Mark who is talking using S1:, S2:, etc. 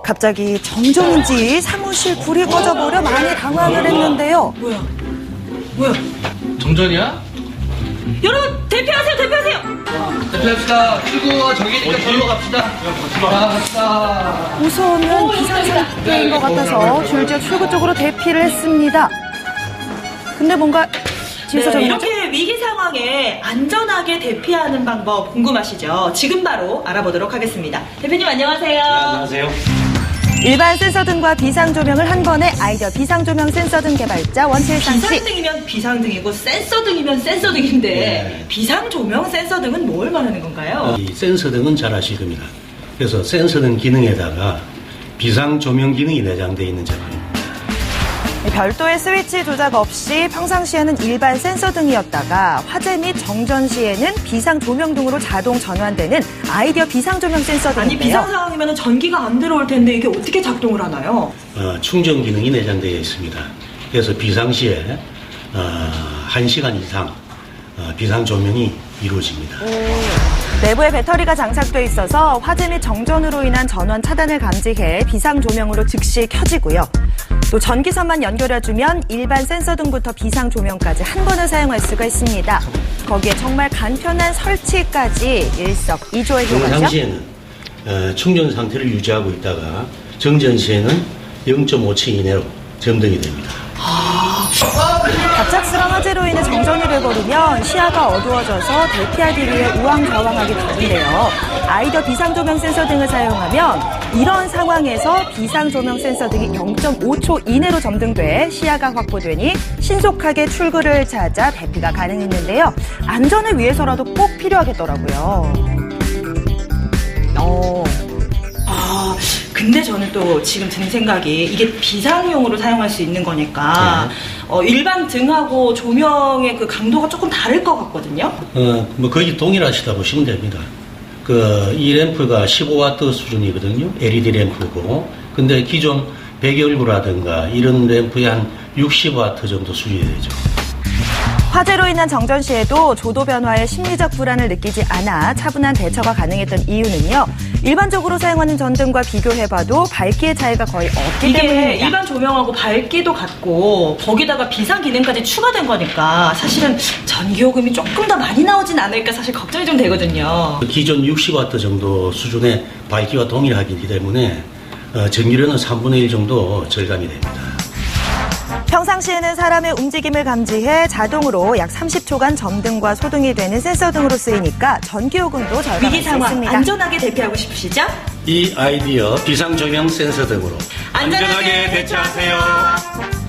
S1: 갑자기 정전인지 사무실 불이 꺼져버려 많이 당황을 했는데요.
S2: 뭐야?
S3: 정전이야?
S2: 여러분 대피하세요.
S3: 대피합시다. 출구가 저기니까 저기로 갑시다. 갑시다.
S1: 무서우면 비상상태인 것 같아서 줄지어 출구 쪽으로 대피를 했습니다. 근데 뭔가 뒤에서
S2: 네,
S1: 정말
S2: 이렇게 위기 상황에 안전하게 대피하는 방법 궁금하시죠? 지금 바로 알아보도록 하겠습니다. 대표님 안녕하세요.
S3: 안녕하세요.
S1: 일반 센서등과 비상조명을 한 번에 아이디어 비상조명 센서등 개발자 원칠상 씨.
S2: 비상등이면 비상등이고 센서등이면 센서등인데
S4: 네.
S2: 비상조명 센서등은 뭘 말하는 건가요?
S4: 이 센서등은 잘 아실 겁니다. 그래서 센서등 기능에다가 비상조명 기능이 내장되어 있는 제품입니다.
S1: 별도의 스위치 조작 없이 평상시에는 일반 센서등이었다가 화재 및 정전 시에는 비상조명 등으로 자동 전환되는 아이디어 비상조명 센서등인데요.
S2: 아니 비상 상황이면 전기가 안 들어올 텐데 이게 어떻게 작동을 하나요?
S4: 충전 기능이 내장되어 있습니다. 그래서 비상시에 1시간 이상 비상조명이 이루어집니다.
S1: 내부에 배터리가 장착돼 있어서 화재 및 정전으로 인한 전원 차단을 감지해 비상조명으로 즉시 켜지고요. 또 전기선만 연결해주면 일반 센서등부터 비상조명까지 한 번에 사용할 수가 있습니다. 거기에 정말 간편한 설치까지 일석이조의 효과죠.
S4: 평상시에는 충전 상태를 유지하고 있다가 정전 시에는 0.5초 이내로 점등이 됩니다.
S1: 갑작스런 화재로 인해 정전이 돼버리면 시야가 어두워져서 대피하기 위해 우왕좌왕하게 되는데요. 아이디어 비상조명 센서 등을 사용하면 이런 상황에서 비상조명 센서 등이 0.5초 이내로 점등돼 시야가 확보되니 신속하게 출구를 찾아 대피가 가능했는데요. 안전을 위해서라도 꼭 필요하겠더라고요.
S2: 근데 저는 또 지금 든 생각이 이게 비상용으로 사용할 수 있는 거니까 일반 등하고 조명의 그 강도가 조금 다를 것 같거든요.
S4: 거의 동일하시다 보시면 됩니다. 이 램프가 15W 수준이거든요. LED 램프고. 근데 기존 백열구라든가 이런 램프에 한 60W 정도 수준이 되죠.
S1: 화재로 인한 정전 시에도 조도 변화에 심리적 불안을 느끼지 않아 차분한 대처가 가능했던 이유는요. 일반적으로 사용하는 전등과 비교해봐도 밝기의 차이가 거의 없기
S2: 이게
S1: 때문입니다.
S2: 일반 조명하고 밝기도 같고 거기다가 비상 기능까지 추가된 거니까 사실은 전기요금이 조금 더 많이 나오진 않을까 사실 걱정이 좀 되거든요.
S4: 기존 60W 정도 수준의 밝기와 동일하기 때문에 전기료는 3분의 1 정도 절감이 됩니다.
S1: 평상시에는 사람의 움직임을 감지해 자동으로 약 30초간 점등과 소등이 되는 센서 등으로 쓰이니까 전기요금도 절감할
S2: 위기
S1: 수
S2: 상황
S1: 있습니다.
S2: 안전하게 대피하고 싶으시죠?
S4: 이 아이디어 비상조명 센서 등으로
S2: 안전하게 대처하세요.